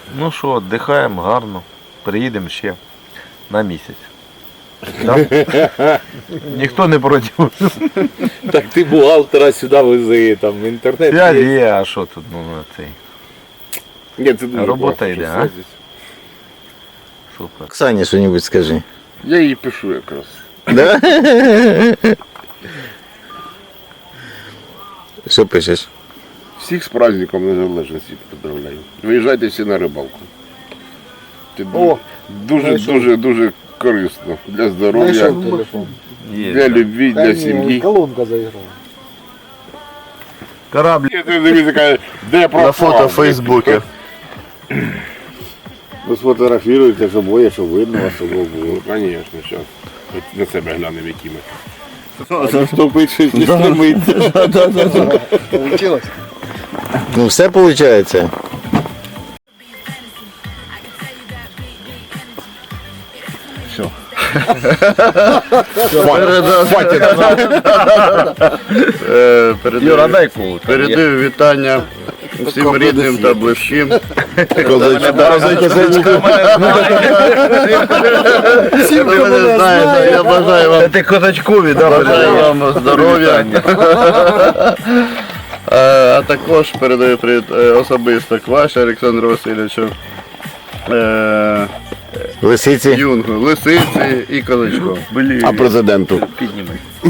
Ну що, віддихаємо гарно. Приїдемо ще на місяць. Да? Ніхто не проти. Так ти бухгалтера сюди вези, там в інтернет. Є, а що тут, ну, на цей. Ні, це дуже Робота класно, йде, що а? все здесь. Супер. Оксані що-небудь скажи. Я їй пишу якраз. Да? Що пишеш? Всіх з праздником Незалежності поздравляю. Виїжджайте всі на рибалку. Це дуже корисно для здоров'я, телефон. для любві, для сім'ї. Колонка заіграла. Корабль. Я тобі дивлюся, каже, де пропав? На фото в Фейсбуці. Ви сфотографіруєте, щоб боє, щоб видно вас обох було. Ну, звісно, зараз. На себе глянемо, які ми. Заступить щось не стремиться. Получилось? Ну все виходить. Юра, дай кулу. Передаю вітання всім рідним та близьким. Ви мене знаєте, я бажаю вам, Ти козачкові, да? бажаю вам здоров'я. А також передаю привіт особисто Кваші Олександру Васильовичу, Лисиці. Юнгу, Лисиці і Козачку. А президенту? Підніми.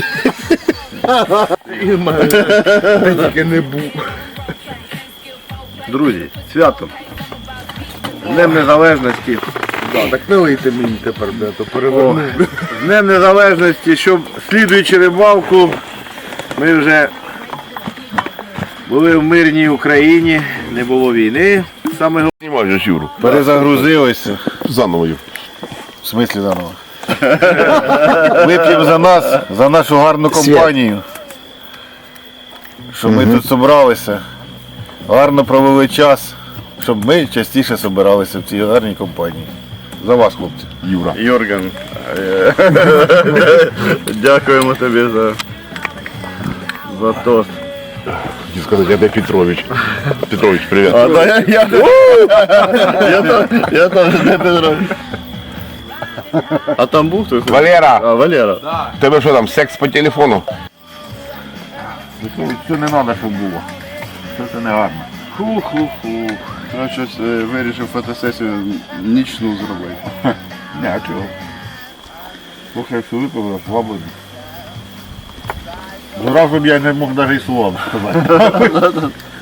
Друзі, свято. З Днем Незалежності. Так не лийте мені тепер, де то переверну. З Днем Незалежності, щоб слідуючи рибалку, ми вже були в мирній Україні, не було війни. Саме Знімай же Юру. перезагрузилися. Заново. В смислі заново? Вип'ємо за нас, за нашу гарну компанію. Щоб ми тут зібралися, гарно провели час, щоб ми частіше збиралися в цій гарній компанії. За вас, хлопці. Юра. Йорген, дякуємо тобі за тост. Хотів сказати, я де Петрович. Петрович, привіт. Я теж не Петрович. А там був хтось? Валера, А, Валера. тебе що там, секс по телефону? Це не треба, щоб було. Це не гарно. Хух-хух-хух. Я щось вирішив фотосесію нічну зробити. Не, а чого? Трохи як випив, свободно. Зразу б я не мог навіть і слова сказати.